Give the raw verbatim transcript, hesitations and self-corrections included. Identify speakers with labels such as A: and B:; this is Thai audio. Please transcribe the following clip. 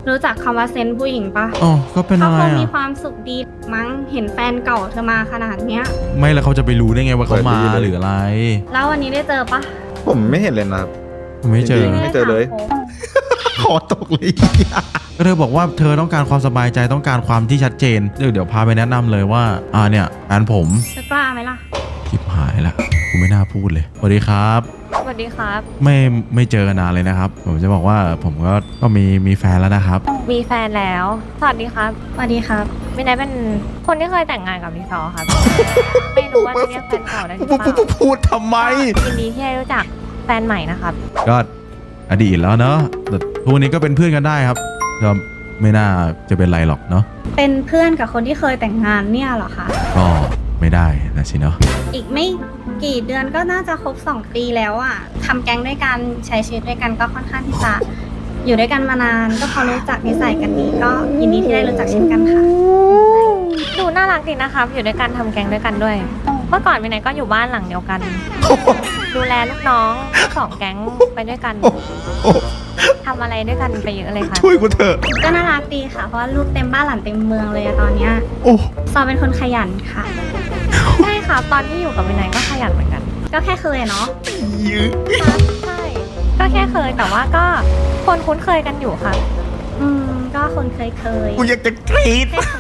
A: รู้จักคำว่าเซนส์ผู้หญิงปะ
B: อ๋อก็เป็น
A: เขา
B: อะไร
A: คงมี
B: อ่ะ
A: ความสุขดีมั้งเห็นแฟนเก่าเธอมาขนาดเนี้ย
B: ไม่แล้วเขาจะไปรู้ได้ไงว่าเขามาหรืออะไร
A: แล้ววันนี้ได้เจอปะ
C: ผมไม่เห็นเลยนะครับ
B: ไม่เจอ
C: จริง ไม่เจอเลย
B: ขอตกเลยก็เธอบอกว่าเธอต้องการความสบายใจต้องการความที่ชัดเจนเดี๋ยวเดี๋ยวพาไปแนะนำเลยว่าอ่าเนี่ยแฟนผม
A: จะกล้าไหมล่ะ
B: ชิบหายละกูไม่น่าพูดเลยสวัสดีครับ
D: สวัสดีครับ
B: ไม่ไม่เจอกันนานเลยนะครับ ผมจะบอกว่าผมก็ก็มีมีแฟนแล้วนะครับ
D: มีแฟนแล้ว สวัสดีครับ
A: สวัสดีครับ
D: มินายเป็นคนที่เคยแต่งงานกับรีซอร์ครับ ไม่รู้ว่าจะเรียกแฟนเก่าได้หรือเปล่า
B: พูดทำไม
D: ยินดีที่ได้รู้จักแฟนใหม่นะครับ
B: ก็อดีตแล้วเนอะแต่ทุกวันนี้ก็เป็นเพื่อนกันได้ครับก็ไม่น่าจะเป็นไรหรอกเนาะ
A: เป็นเพื่อนกับคนที่เคยแต่งงานเนี่ยเหรอคะ
B: ก็ไม่ได้นะสิเนาะ
A: อีกไม่กี่เดือนก็น่าจะครบสองปีแล้วอะทำแก๊งด้วยกันใช้ชีวิตด้วยกันก็ค่อนข้างที่จะอยู่ด้วยกันมานานก็พอรู้จักนิสัยกันดีก็ยินดีที่ได้รู้จักเช่นกันค่ะ
D: ดูน่ารักดีนะครับ อยู่ด้วยกันทำแก๊งด้วยกันด้วย เมื่อก่อนมินายก็อยู่บ้านหลังเดียวกัน ดูแลลูกน้องทั้งสองแก๊งไปด้วยกันทำอะไรด้วยกันไปเยอะเลยค่ะ
B: ช่วยกูเถอะ
A: ก็น่ารักดีค่ะ เพราะว่าลูกเต็มบ้านหลานเต็มเมืองเลยอะตอนเนี้ย
B: โอ้
A: ซอเป็นคนขยันค่ะ
D: ใช่ครับ ตอนที่อยู่กับมินายก็ขยันเหมือนกัน
A: ก็แค่เคยอะเนาะ
D: ครับใช่ ก็แค่เคยแต่ว่าก็คนคุ้นเคยกันอยู่ครับ
A: อืมก็คนเคยเคย
B: กูอยากจะกรี๊ด
A: แค่เค